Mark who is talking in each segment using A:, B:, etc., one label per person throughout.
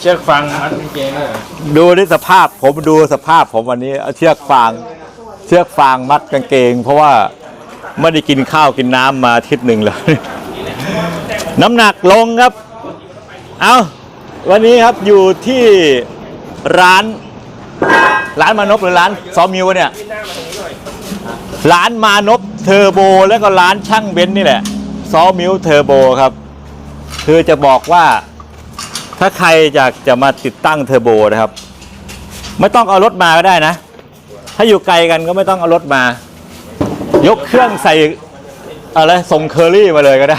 A: ชือกฟางมัดกางเกงเลย
B: ดูในสภาพผมดูสภาพผมวันนี้เอาเชือกฟางมัดกางเกงเพราะว่าไม่ได้กินข้าวกินน้ำมาอาทิตย์หนึ่งแล้วน้ำหนักลงครับเอาวันนี้ครับอยู่ที่ร้านมานพหรือร้านซอมิวเนี่ยร้านมานพเทอร์โบแล้วก็ร้านช่างเบนซ์นี่แหละซอมิวเทอร์โบครับคือจะบอกว่าถ้าใครอยากจะมาติดตั้งเทอร์โบนะครับไม่ต้องเอารถมาก็ได้นะถ้าอยู่ไกลกันก็ไม่ต้องเอารถมายกเครื่องใส่อะไรส่งเคอรี่มาเลยก็ได้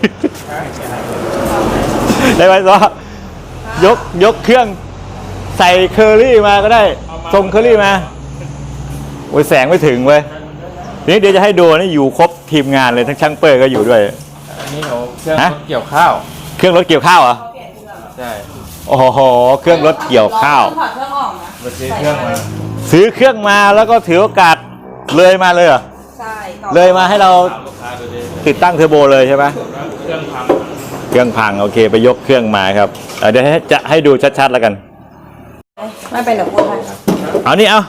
B: ได้ไหมซอยกเครื่องใส่เคอรี่มาก็ได้ส่งเคอรี่มาโอ้ยแสงไม่ถึงเว้ยนี่เดี๋ยวจะให้ดูนี่อยู่ครบทีมงานเลยทั้งช่างเปิดก็อยู่ด้วย
A: อันนี้เขาเครื่องรถเกี่ยวข้าว
B: เครื่องรถเกี่ยวข้าวเหรอ
A: ใช่
B: โอ้โหเครื่องรถเกี่ยวข้าว
C: ถอดเครื่องออกนะ
A: มาซื้อเครื่องมา
B: แล้วก็ถือโอกาสเลยมาเลยเหรอ
C: ใช่
B: เลยมาให้เราติดตั้งเทอร์โบเลยใช่ไหมเครื่องพังโอเคไปยกเครื่องมาครับเดี๋ยวจะให้ดูชัดๆแล้วกัน
C: ไม่เป็นเดี๋ยวพูดให้
B: เอานี่เอา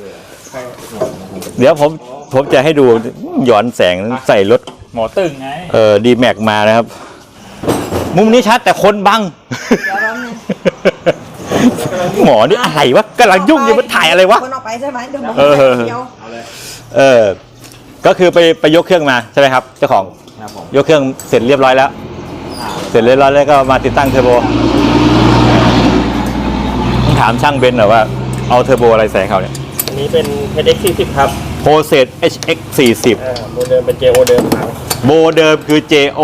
B: เดี๋ยวผมจะให้ดูย้อนแสงใส่รถ
A: หมอตึงไง
B: ดีแม็กมานะครับมุมนี้ชัดแต่คนบังหมอนี่อะไรวะกำลังยุ่งอยู่มันถ่ายอะไรวะ
C: คนออกไปใช่ไหมเดี๋ยวบอก
B: ก็คือไปยกเครื่องมาใช่ไหมครับเจ้าของยกเครื่องเสร็จเรียบร้อยแล้วก็มาติดตั้งเทอร์โบต้องถามช่างเบนซ์หน่อยว่าเอาเทอร์โบอะไรใส่เขาเนี่ย
A: อันนี้เป็น HX40 ครับ
B: โปรเซส HX40
A: โมเดิมเป็น JO เดิม
B: โบเดิมคือ JO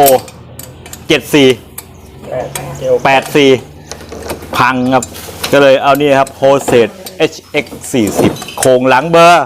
B: 84พังครับก็เลยเอานี่ครับโปรเซส HX40 โครงหลังเบอร์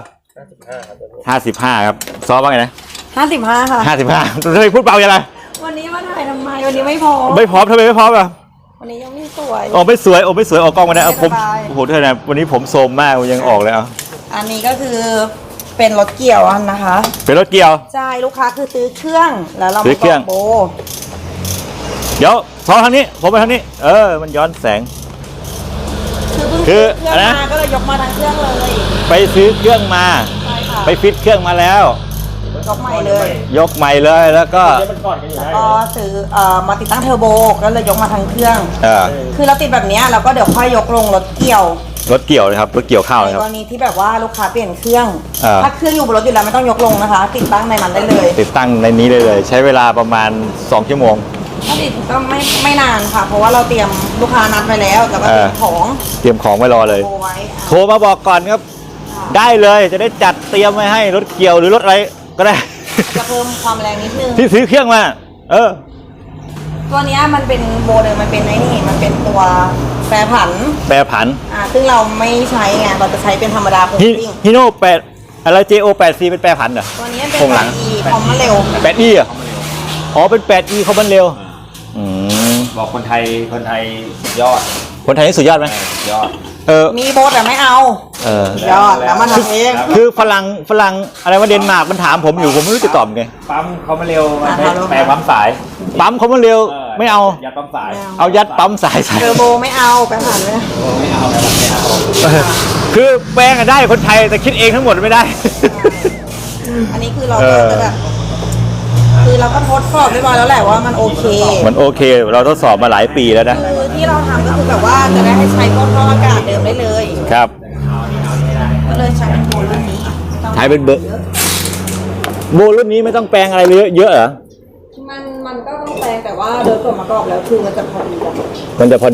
B: 55ครับซ้อมว่าไงนะ
C: 55ค่ะ
B: 55ทำไมพูดเบาอย่างไร
C: วันนี้มาถ่ายทำไมวันนี้ไม่พร้อม
B: ทำไมไม่พร้อมอ่ะ
C: วันนี้ยังไม่สวย
B: ไม่สวยออกกล้องมาได้ผมโอ้โหเท่านั้นวันนี้ผมโซมมากยังออกเลย
C: อันนี้ก็คือเป็นรถเกี่ยวนะคะ
B: เป็นรถเกี่ยว
C: ใช่ลูกค้าคือซื้อเครื่องแล้วเรามาต่อโบ
B: เดี๋ยวพอทางนี้ผมไปทางนี้มันย้อนแสง
C: คืออะไรนะก็เลยยกมาทั้งเครื่องเลย
B: ไปซื้อเครื่องมาไปฟิตเครื่องมาแล้ว
C: ยกใหม่
B: เลยแล้วก็
C: ซื้อมาติดตั้งเทอร์โบก็เลยยกมาทั้งเครื่องคือเราติดแบบนี้เราก็เดี๋ยวค่อยยกลงรถเกี่ยว
B: นะครับรถเกี่ยวข้าวนะครับ
C: ในกรณีที่แบบว่าลูกค้าเปลี่ยนเครื่องถ้าเครื่องอยู่บนรถอยู่แล้วไม่ต้องยกลงนะคะติดตั้งในนั้นได้เลย
B: ติดตั้งในนี้ได้เลยใช้เวลาประมาณ2 ชั่วโมง
C: ถ้าติดก็ไม่นานค่ะเพราะว่าเราเตรียมลูกค้านัดไปแล้วแต่ว่าเตรียม
B: ของไว้รอเลยโทรมาบอกก่อนครับได้เลยจะได้จัดเตรียมไว้ให้รถเกี่ยวหรือรถอะไรก็ได้
C: จะเพิ่มความแรงนิดนึง
B: ที่ซื้อเครื่องมา
C: ตัวนี้มันเป็นโบเลยมันเป็นมันเป็นตัวแปรผันซึ่งเราไม่ใช้ไงเราจะใช้เป็นธรรมดาโครงซิ่ง
B: ฮิโน่8อะไร JO84 เป็นแปรผันเหรอ
C: ตัวนี้เป็น 8E คอมมันเร็ว
B: 8E อ่ะเป็น 8E คอมมันเร็ว
A: บอกคนไทยสุดยอด
B: คนไทยนี่สุดยอดไหม
A: สุดยอด
C: มีโบแต่ไม่เอายอดแล้วมันทำเอง
B: คือฝรั่งอะไรว่าเดนมาร์กมันถามผมอยู่ผมไม่รู้จะตอบไง
A: ปั๊มเขามาเร็วแปรปั๊มสาย
B: เขามาเร็วไม่เอา
A: ยัดปั๊มสาย
B: เอายัดปั๊มสาย
C: เทอร์โบไม่เอาแปรผันเลย
A: ไม่เอา
B: คือแปลงได้คนไทยแต่คิดเองทั้งหมดไม่ได้
C: อันนี้คือเราจะแบบคือเราก็ทดสอบเรียบร้อยแล้วแหละว่ามันโอเค
B: เราทดสอบมาหลายปีแล้วนะ
C: คือที่เราทำก็คือแบบว่าจะได้ให้ใช้พวกท่ออากาศเดิมได้เลย
B: ครับ
C: ก็เลยใช้เป็นโบรุ่นนี้
B: ใช้เป็นโบรุ่นนี้ไม่ต้องแปลงอะไรเยอะเหรอ
C: มันก็ต้องแปลงแต่ว่าโดยส่วนประกอบแล้วคือมันจะพอดีกัน
B: มันจะ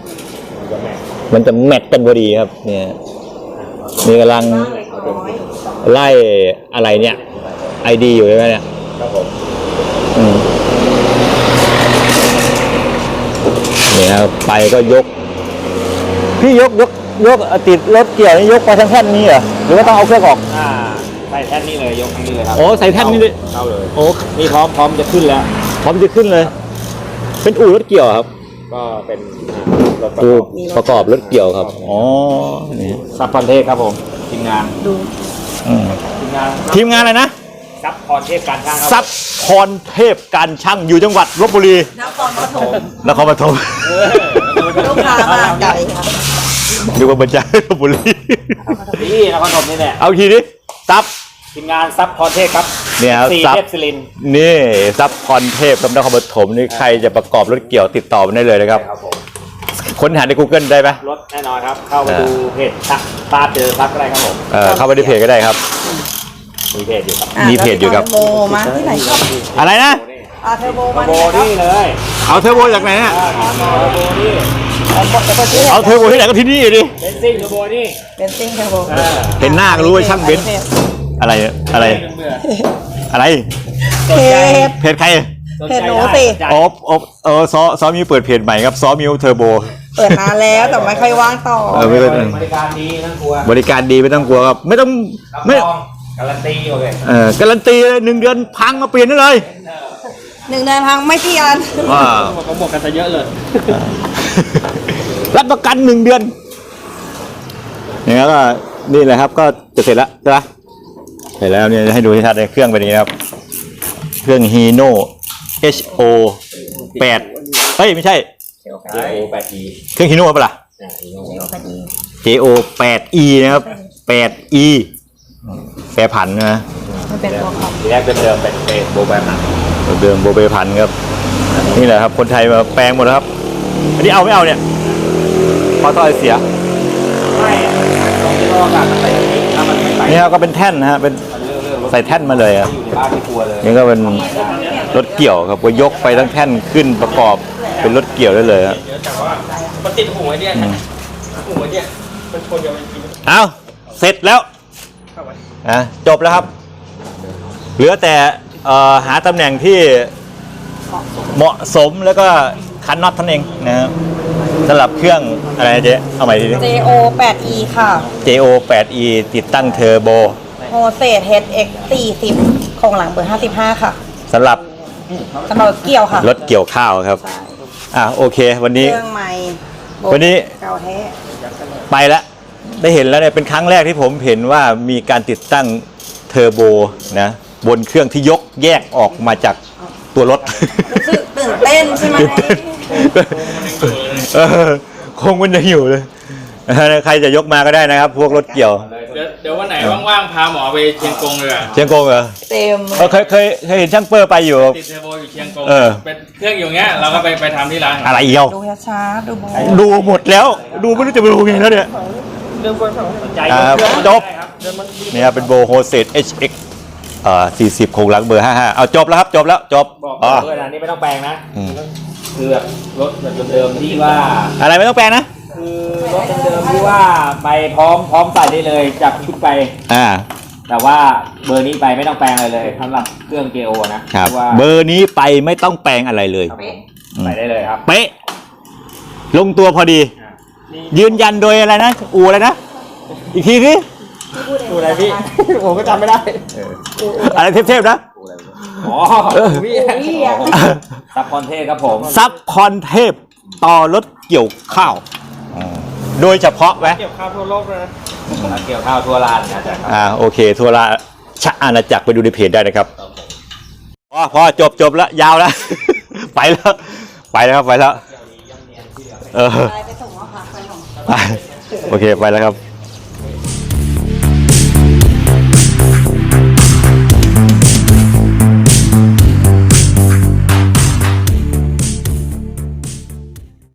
B: แมทกันพอดีครับเนี่ยมีกำลังไล่อะไรเนี่ยไอดีอยู่ใช่ไหมเนี่ย
A: ครับผม
B: นี่ครับไปก็ยกพี่ยกติดรถเกี่ยวนี่ยกไปทั้งแท่นนี้เหรอหรือว่าต้องเอาเครื่องออก
A: ใส่แท่นนี้เลยยกทั้งนี้เลยครับ
B: ใส่แท่นนี้เลย
A: เข้าเลยนี่พร้อมจะขึ้นแล้ว
B: พร้อมจะขึ้นเลยเป็นอู่รถเกี่ยวครับ
A: ก็เป็น
B: อู่ประกอบรถเกี่ยวครับ
A: นี่ซับพอนเทคครับผมทีมงาน
B: ทีมงานอะไรนะ
A: ซับพรเทพการช่างครับ
B: ซับพรเทพการช่างอยู่จังหวัดลบบุรี
C: นครปฐม
B: นครปฐม
C: ลูกค้ามาไกลค่ะ
B: ดูว่าบรรจาลบบุรี
A: นี่นครปฐมนี่แหละ
B: เอาทีนี้ซับ
A: ทีมงานซับพรเทพครับ
B: เนี่ยครับ
A: สี่
B: ซับ
A: เทพศิรินทร์
B: นี่ซับพรเทพกับนครปฐมนี่ใครจะประกอบรถเกี่ยวติดต่อมาได้เลยนะครับ
A: ครับผม
B: ค้นหาใน Google ได้ไหม
A: รถแน่นอนครับ เข้าไปดูเพจซักตาเจอซักอะไรครับผม
B: เข้าไปในเพจก็ได้ครับ
A: มีเพจอยู่ครับ
B: มีเพจอยู่ครับ
C: เทอร์โบมาที่ไหนครับ
B: อะไรนะ
C: เทอร์โบ
A: โม
C: มา
A: โบ
C: ที่ไหน
A: นี่เลย
B: เอาเทอร์โบจากไหนฮะ
A: เทอร์โบนี่
B: เอาเทอร์โบที่ไหนก็ที่นี่อยู่ดิ
A: เบนซิ่งเทอร์โบนี่
C: เบนซิ่งเทอร์โบ
B: เห็นหน้าก็รู้ว่าช่างเบนซ์อะไรอะไรอะไร
A: สนใจ
B: เพจใคร
A: สน
C: เพ
A: ใจ
C: จหนู
A: ได้
C: สิ
A: สนใจ
B: ซ้อมิวเปิดเพจใหม่ครับซ้อมิวเทอร์โบ
C: เปิดนานแล้วแต่ไม่ค่อยว่างต่อ
B: ไม่เป็น
A: บริการดีไม่ต้องกลัว
B: บริการดีไม่ต้องกลัวครับไม่ต้อง
A: รับ
B: ไม่
A: รองการันตีโอเค
B: การันตีเลย1 เดือนพังมาเปลี่ยนได้เลย
C: 1 เดือนพังไม่เปลี่ยน
B: ว้า
A: เขาบอกกันซะเยอะเลย
B: รับประกัน1 เดือนอย่างนั้นก็นี่แหละครับก็จะเสร็จแล้วใช่ไหมเสร็จแล้วเนี่ยให้ดูที่ทัดในเครื่องเป็นอย่างนี้ครับเครื่อง Hino HO 8เฮ้ยไม่ใช่
A: JO 8E
B: เครื่อง Hino ป่ะล่ะ JO 8E นะครับ 8E แปรผันนะ
C: มันเป็นตัวของ
A: ทีแรกเดิมๆเป็นโบแบนหนัก
B: เดิมโบเบพันครับนี่แหละครับคนไทยมาแปลงหมดแล้วครับอันนี้เอาไม่เอาเนี่ยพอต่อยเสีย
A: ไม่ตรงที่เราอากาศมันไปที่นี่ถ้ามันไม่ไป
B: นี่ครับก็เป็นแท่นนะฮะเป็นใส่แท่นมาเลยครับ
A: อยู่ในบ้านไม่กลัวเลย
B: นี่ก็เป็นรถเกี่ยวครับก็ยกไปทั้งแท่นขึ้นประกอบเป็นรถเกี่ยวได้เลยครับ
A: แต่ว่ามันติดหูไอ้เนี่ยหูไอ้เนี่ยมันชนกันจริง
B: เอาเสร็จแล้วจบแล้วครับ เหลือแต่หาตำแหน่งที่เหมาะสมแล้วก็คันน็อตท่านเองนะครับสำหรับเครื่องอะไรนะเจ๊เอาใหม่ทีนี้
C: JO 8E ค่ะ
B: JO 8E ติดตั้งเทอร์โบ
C: โฮเซต HX 40โครงหลังเบอร์55ค่ะ
B: สำหรับ
C: สำหรับเกี่ยวค่ะ
B: รถเกี่ยวข้าวครับ โอเค วัน
C: เค
B: นี้
C: รื่องใหม่
B: วันนี้
C: เก่าแท้
B: ไปแล้วได้เห็นแล้วเนี่ยเป็นครั้งแรกที่ผมเห็นว่ามีการติดตั้งเทอร์โบนะบนเครื่องที่ยกแยกออกมาจากตัวรถ
C: รู้สึกตื่นเต้นใช่ไหม
B: คงมันยังอยู่เลยใครจะยกมาก็ได้นะครับ พวกรถเกี่ยว
D: เดี๋ยววันไหนว่างๆ พาหมอไปเชียงกงเลยอะ
B: เชียงกงเหรอ
C: เต็ม
B: เคยเห็นช่างเปอร์ไปอยู่
D: ติดเทอร์โบอยู่เชียงกง
B: เออ
D: เป็นเครื่องอยู่เงี้ย เราก็ไปทำที่ร้าน
B: อะไรเอียว
C: ดูช้าๆดูโบ
B: ดูหมดแล้ว ดูไม่รู้จะไปดูไงแล้วเนี่ย
A: ใจ
B: จบนี่ครับเป็นโบโฮเซต HX 40โครงหลังเบอร์ 55เอาจบแล้วครับจบแล้วจบ
A: บอก
B: อ๋อ
A: เลยนะนี่ไม่ต้องแปลงนะ
B: อืม
A: คือแบบรถแบบเดิมๆที่ว่า
B: อะไรไม่ต้องแปลงนะ
A: คือรถเดิมๆที่ว่าไปพร้อมใส่ได้เลยจากชุดไป แต่ว่าเบอร์นี้ไปไม่ต้องแปลงอะไรเลยสำหรับเครื่อง JO นะครับ ว่า
B: เบอร์นี้ไปไม่ต้องแปลงอะไรเลย
A: ครับผมใส่ได้เลยครับ
B: เป๊ะลงตัวพอดี ยืนยันโดยอะไรนะอูอะไรนะ อีกทีสิ
A: ดูอะไรพี่ ผมก็จำไม่ได้
B: อะไรเทพๆนะ
A: อ๋อพี่ซับคอนเทสครับผม
B: ซับคอนเทพต่อรถเกี่ยวข้าวโดยเฉพาะไหม
D: เกี่ยวข้าวทั่วโลกเลยนะ
A: เกี่ยวข้าวทั่วลานนะจ๊ะครับ
B: โอเคทัวราชอาณาจักรไปดูในเพจได้นะครับพอจบแล้วยาวแล้ว ไปแล้วครับไปแล้ว
C: ไปส่งแล้วค่ะไปส่ง
B: โอเคไปแล้วครับ